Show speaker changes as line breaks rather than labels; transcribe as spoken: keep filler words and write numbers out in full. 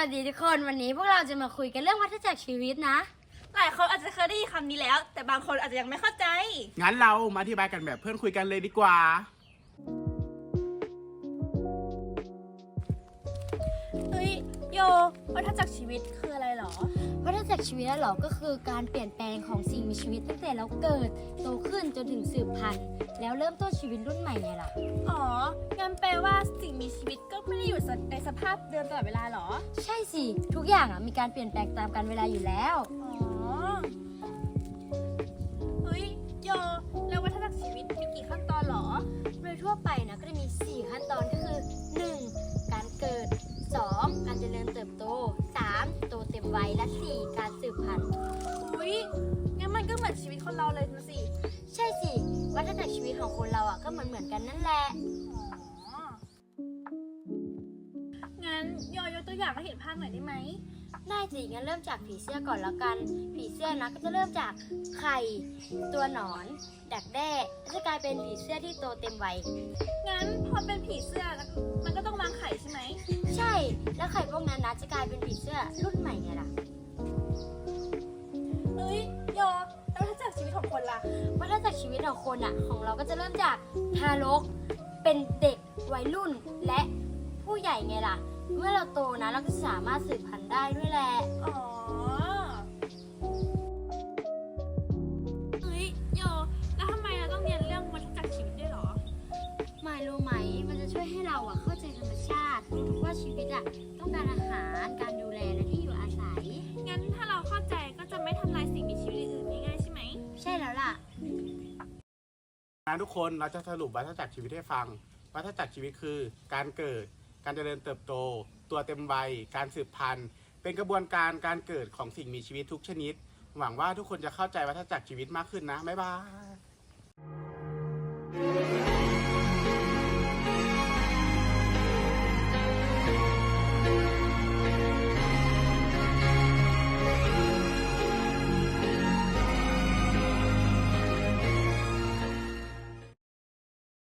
วัสดีทุกคนวันนี้พวกเราจะมาคุยกันเรื่องวัฏจักรชีวิตนะ
หลายคนอาจจะเคยได้ยินคำนี้แล้ว แต่บางคนอาจจะยังไม่เข้าใจ
งั้นเรามาอธิบายกันแบบเพื่อนคุยกันเลยดีกว่า
เฮ้ยโยวัฏจักรชีวิตคืออะไรหรอ
วัฏจักรชีวิตแล้วหรอก็คือการเปลี่ยนแปลงของสิ่งมีชีวิตตั้งแต่เราเกิดโตขึ้นจนถึงสืบพันธุ์แล้วเริ่มต้นชีวิตรุ่นใหม่ไงล่ะ
อ๋องั้นแปลว่าสิ่งมีชีวิตก็ไม่ได้อยู่ในสภาพเดิมตลอดเวลาหรอ
ใช่สิทุกอย่างอ่ะมีการเปลี่ยนแปลงตามกาลเวลาอยู่แล้ว
อ๋อเฮ้ยโยแล้ววัฏจักรชีวิตมีกี่ขั้นตอนหรอ
โดยทั่วไปนะก็จะมีสี่ขั้นตอนก็คือ หนึ่ง การเกิด สอง การเจริญเติบโต สาม โตเต็มวัยและ สี่ การสืบพันธุ์
อุ้ยงั้นมันก็เหมือนชีวิตคนเราเลยนะสิ
ใช่สิวัฏจักรชีวิตของคนเราอ่ะก็เหมือนเหมือนกันนั่นแหละ
อ๋องั้นโยยกตัวอย่างให้เห็นภาพหน่อยได้ไหม
ได้สิงั้นเริ่มจากผีเสื้อก่อนแล้วกันผีเสื้อนะก็จะเริ่มจากไข่ตัวหนอนดักแด้แล้วจะกลายเป็นผีเสื้อที่โตเต็มวัย
งั้นพอเป็นผีเสื้อมันก็ต้องวางไข่ใช่ไหม
ใช่แล้วไข่พวกนั้นนะจะกลายเป็นผีเสื้อรุ่นใหม่ไงล่ะ
เฮ้ยโยแล้วถ้าจากชีวิตของคนล่ะ
วัฏจักรชีวิตของคนอ่ะของเราก็จะเริ่มจากทารกเป็นเด็กวัยรุ่นและผู้ใหญ่ไงล่ะเมื่อเราโตนะเราก็สามารถสืบพันธุ์ได้ด้วยแหละ
อ๋อเฮ้ยโยแล้วทำไมเราต้องเรียนเรื่องวัฏจักรชีวิตด้วยหรอ
ไม่รู้ไหมมันจะช่วยให้เราอ่ะเข้าใจธรรมชาติว่าชีวิตอ่ะต้องการอาหารการดูแลและที่อยู่อาศัย
งั้นถ้าเราเข้าใจก็จะไม่ทำลายสิ่งมีชีวิตอื่นๆง่ายๆใช่ไหม
ใช่แล้วล่ะ
นะทุกคนเราจะสรุปวัฏจักรชีวิตให้ฟังวัฏจักรชีวิตคือการเกิดการเจริญเติบโตตัวเต็มวัยการสืบพันธุ์เป็นกระบวนการการเกิดของสิ่งมีชีวิตทุกชนิดหวังว่าทุกคนจะเข้าใจวัฏจักรชีวิตมากขึ้นนะบ๊ายบาย